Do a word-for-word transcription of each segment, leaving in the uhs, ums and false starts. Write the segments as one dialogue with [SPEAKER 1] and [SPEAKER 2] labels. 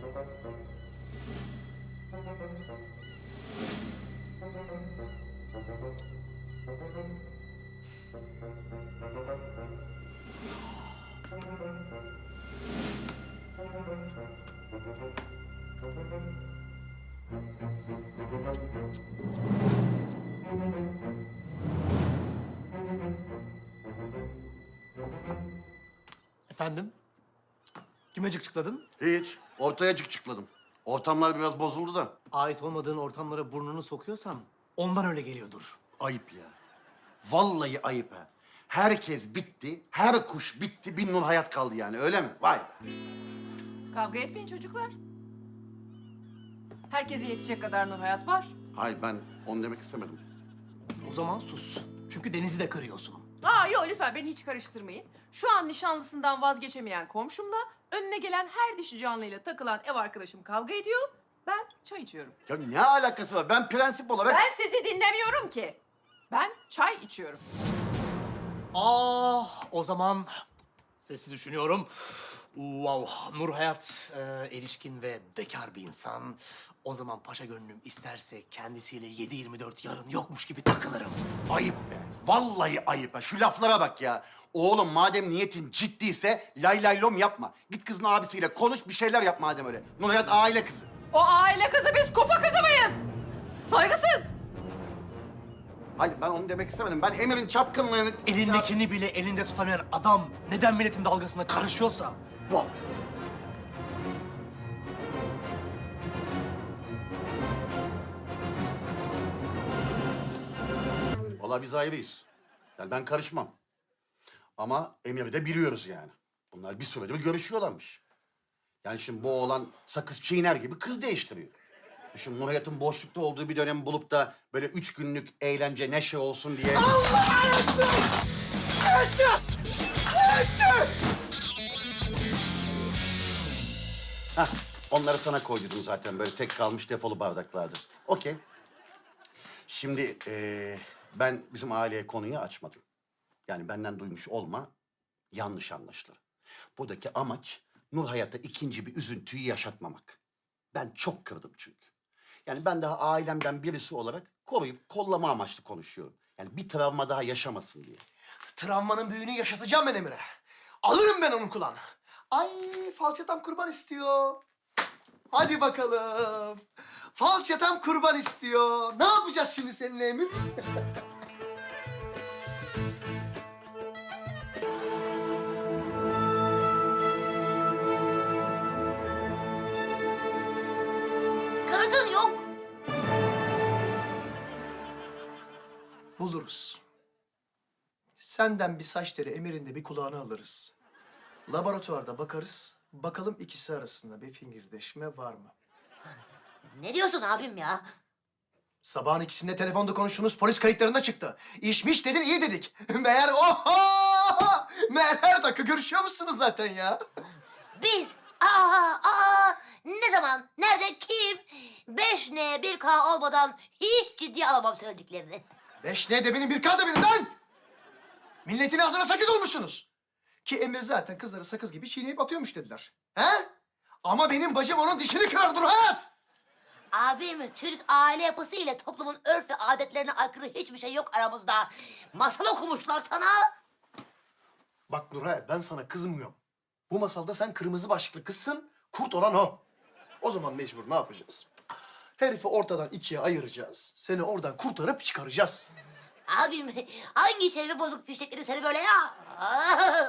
[SPEAKER 1] Efendim? Kime cıkcıkladın?
[SPEAKER 2] Hiç. Ortaya çıkladım. Ortamlar biraz bozuldu da.
[SPEAKER 1] Ait olmadığın ortamlara burnunu sokuyorsan ondan öyle geliyordur.
[SPEAKER 2] Ayıp ya. Vallahi ayıp ha. Herkes bitti, her kuş bitti, bir Nur Hayat kaldı yani, öyle mi? Vay be.
[SPEAKER 3] Kavga etmeyin çocuklar. Herkese yetecek kadar Nur Hayat var.
[SPEAKER 2] Hayır, ben onu demek istemedim.
[SPEAKER 1] O zaman sus. Çünkü Deniz'i de kırıyorsun.
[SPEAKER 3] Aa yok lütfen beni hiç karıştırmayın. Şu an nişanlısından vazgeçemeyen komşumla önüne gelen her dişi canlıyla takılan ev arkadaşım kavga ediyor. Ben çay içiyorum.
[SPEAKER 2] Ya ne alakası var? Ben prensip olarak...
[SPEAKER 3] Ben sizi dinlemiyorum ki. Ben çay içiyorum.
[SPEAKER 1] Ah, o zaman sesli düşünüyorum. Wow, Nur Hayat e, erişkin ve bekar bir insan. O zaman paşa gönlüm isterse kendisiyle yedi yirmi dört yarın yokmuş gibi takılırım.
[SPEAKER 2] Ayıp be. Vallahi ayıp ha. Şu laflara bak ya. Oğlum madem niyetin ciddiyse lay lay lom yapma. Git kızın abisiyle konuş, bir şeyler yap madem öyle. Nur Hayat aile kızı.
[SPEAKER 3] O aile kızı biz kupa kızı mıyız? Saygısız.
[SPEAKER 2] Hayır, ben onu demek istemedim. Ben Emir'in çapkınlığını...
[SPEAKER 1] Elindekini bile elinde tutamayan adam neden milletin dalgasına karışıyorsa... Wow.
[SPEAKER 2] Vallahi biz ayrıyız. Yani ben karışmam. Ama Emir'i de biliyoruz yani. Bunlar bir süredir görüşüyorlarmış. Yani şimdi bu oğlan sakız çiğner gibi kız değiştiriyor. Şimdi Nur Hayat'ın boşlukta olduğu bir dönem bulup da böyle üç günlük eğlence, neşe olsun diye...
[SPEAKER 1] Allah ayakta! Ayakta! Ayakta!
[SPEAKER 2] Hah, onları sana koydum zaten. Böyle tek kalmış defolu bardaklardı. Okey. Şimdi eee, ben bizim aileye konuyu açmadım. Yani benden duymuş olma, yanlış anlaşılır. Buradaki amaç Nur Hayat'a ikinci bir üzüntüyü yaşatmamak. Ben çok kırdım çünkü. Yani ben daha ailemden birisi olarak koruyup kollama amaçlı konuşuyorum. Yani bir travma daha yaşamasın diye.
[SPEAKER 1] Travmanın büyüğünü yaşatacağım ben Emir'e. Alırım ben onun kulağını. Ay falçatam kurban istiyor. Hadi bakalım. Falçatam kurban istiyor. Ne yapacağız şimdi seninle Emir?
[SPEAKER 4] Kanıtın yok.
[SPEAKER 1] Buluruz. Senden bir saç teli, Emir'in de bir kulağını alırız. Laboratuvarda bakarız. Bakalım ikisi arasında bir fingirdeşme var mı?
[SPEAKER 4] Ne diyorsun abim ya?
[SPEAKER 1] Sabahın ikisinde telefonda konuştuğunuz polis kayıtlarında çıktı. İşmiş dedin, iyi dedik. Meğer oho! Meğer her dakika görüşüyor musunuz zaten ya?
[SPEAKER 4] Biz? Aa, aa, ne zaman? Nerede? Kim? Beş N bir K olmadan hiç ciddiye alamam söylediklerini.
[SPEAKER 1] Beş ne de benim bir K da benim lan! Milletin ağzına sakız olmuşsunuz. Ki Emir zaten kızları sakız gibi çiğneyip atıyormuş dediler. He? Ama benim bacım onun dişini kırar Nur Hayat!
[SPEAKER 4] Abim, Türk aile yapısı ile toplumun örf ve adetlerine aykırı hiçbir şey yok aramızda. Masal okumuşlar sana.
[SPEAKER 1] Bak Nur Hayat, ben sana kızmıyorum. Bu masalda sen kırmızı başlıklı kızsın, kurt olan o. O zaman mecbur ne yapacağız? Herifi ortadan ikiye ayıracağız. Seni oradan kurtarıp çıkaracağız.
[SPEAKER 4] Abim, hangi şerri bozuk fişekleri seni böyle ya? Aa!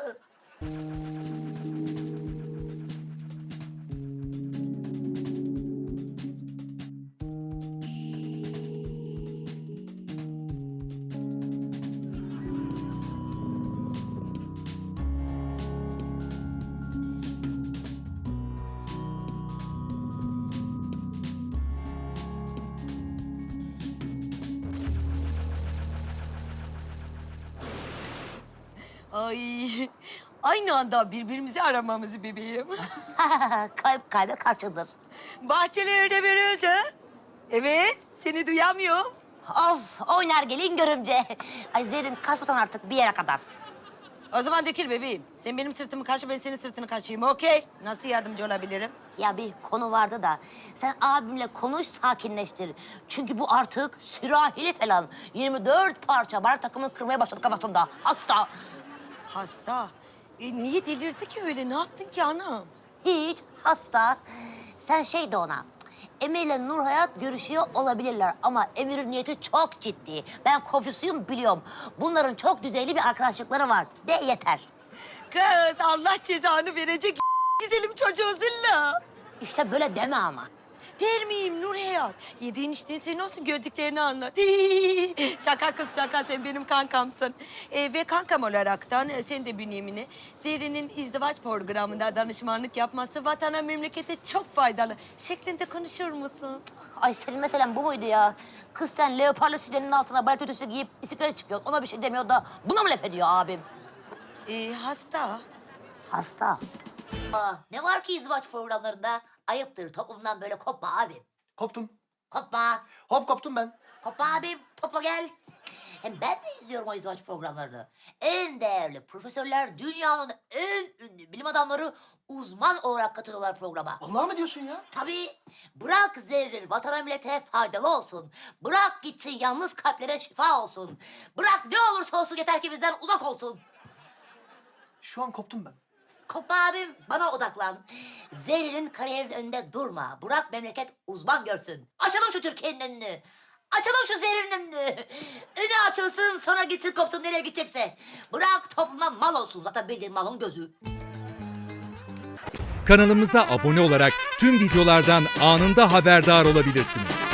[SPEAKER 5] Ay, aynı anda birbirimizi aramamızı bebeğim.
[SPEAKER 4] Kalp kalbe karşıdır.
[SPEAKER 5] Bahçelerde börülce. Evet, seni duyamıyor.
[SPEAKER 4] Of, oynar gelin görümce. Ay Zerrin, kaçmasan artık bir yere kadar.
[SPEAKER 5] O zaman dökül bebeğim. Sen benim sırtımı kaşı, ben senin sırtını kaşıyım, okey? Nasıl yardımcı olabilirim?
[SPEAKER 4] Ya bir konu vardı da sen abimle konuş, sakinleştir. Çünkü bu artık sürahili falan. yirmi dört parça barak takımı kırmaya başladı kafasında. Hasta.
[SPEAKER 5] Hasta. E, niye delirdi ki öyle? Ne yaptın ki anam?
[SPEAKER 4] Hiç hasta. Sen şey de ona. Emir ile Nur Hayat görüşüyor olabilirler ama Emir'in niyeti çok ciddi. Ben komşusuyum biliyorum. Bunların çok düzeyli bir arkadaşlıkları var. De yeter.
[SPEAKER 5] Kız Allah cezanı verecek güzelim çocuğu zilla.
[SPEAKER 4] İşte böyle deme ama.
[SPEAKER 5] Der miyim Nur Hayat? Yediğin içtiğin senin olsun, gördüklerini anlat. Şaka kız şaka, sen benim kankamsın. Ee, ve kankam olaraktan e, sen de bünyemini Zerrin'in izdivaç programında danışmanlık yapması vatana memlekete çok faydalı şeklinde konuşur musun?
[SPEAKER 4] Ay senin meselen bu muydu ya? Kız sen leoparlı sütyenin altına balet ötesi giyip bisiklete çıkıyor. Ona bir şey demiyor da buna mı laf ediyor abim?
[SPEAKER 5] Ee, hasta.
[SPEAKER 4] Hasta. Aa, ne var ki izdivaç programlarında? Ayıptır, toplumdan böyle kopma abim.
[SPEAKER 1] Koptum.
[SPEAKER 4] Kopma.
[SPEAKER 1] Hop koptum ben.
[SPEAKER 4] Kopma abim, topla gel. Hem ben de izliyorum o izdivaç programlarını. En değerli profesörler, dünyanın en ünlü bilim adamları uzman olarak katılıyorlar programa.
[SPEAKER 1] Vallahi mı diyorsun ya?
[SPEAKER 4] Tabii. Bırak zerrin vatana millete faydalı olsun. Bırak gitsin yalnız kalplere şifa olsun. Bırak ne olursa olsun yeter ki bizden uzak olsun.
[SPEAKER 1] Şu an koptum ben.
[SPEAKER 4] Kopma abim, bana odaklan. Zerrin'in kariyerinin önünde durma. Bırak memleket uzman görsün. Açalım şu Türkiye'nin önünü. Açalım şu Zerrin'in önünü. Önü açılsın, sonra gitsin kopsun nereye gidecekse. Bırak topluma mal olsun. Zaten bildiğin malın gözü.
[SPEAKER 6] Kanalımıza abone olarak tüm videolardan anında haberdar olabilirsiniz.